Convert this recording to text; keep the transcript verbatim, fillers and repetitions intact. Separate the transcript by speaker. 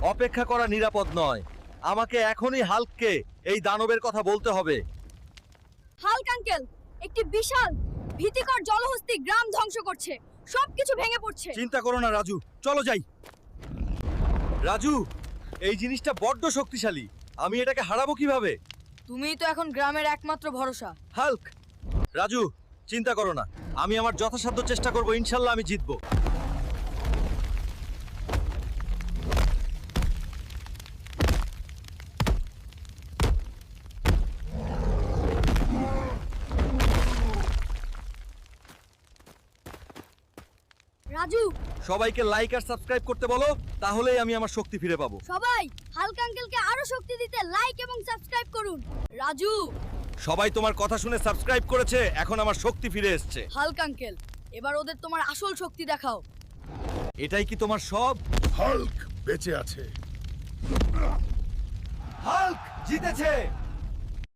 Speaker 1: অপেক্ষা করা নিরাপদ নয়। আমাকে এখনই হাল্ককে এই দানবের কথা বলতে হবে।
Speaker 2: হাল্ক আঙ্কেল, একটি বিশাল ভীতিকর জলহস্তী গ্রাম ধ্বংস করছে, সবকিছু ভেঙে পড়ছে।
Speaker 1: চিন্তা করো না রাজু, চলো যাই। রাজু, এই জিনিসটা বড্ড শক্তিশালী, আমি এটাকে হারাবো কিভাবে?
Speaker 2: তুমিই তো এখন গ্রামের একমাত্র ভরসা।
Speaker 1: হাল্ক, রাজু চিন্তা করো না, আমি আমার যথাসাধ্য চেষ্টা করব, ইনশাল্লাহ আমি জিতবো।
Speaker 2: রাজু,
Speaker 1: সবাইকে লাইক আর সাবস্ক্রাইব করতে বলো, তাহলেই আমি আমার শক্তি ফিরে পাবো।
Speaker 2: সবাই হাল্ক আঙ্কেলকে আরো শক্তি দিতে লাইক এবং সাবস্ক্রাইব করুন। রাজু,
Speaker 1: সবাই তোমার কথা শুনে সাবস্ক্রাইব করেছে, এখন আমার শক্তি ফিরে এসেছে।
Speaker 2: হাল্ক আঙ্কেল, এবার ওদের তোমার আসল শক্তি দেখাও।
Speaker 1: এটাই কি তোমার সব?
Speaker 3: হাল্ক বেঁচে আছে।
Speaker 1: হাল্ক জিতেছে।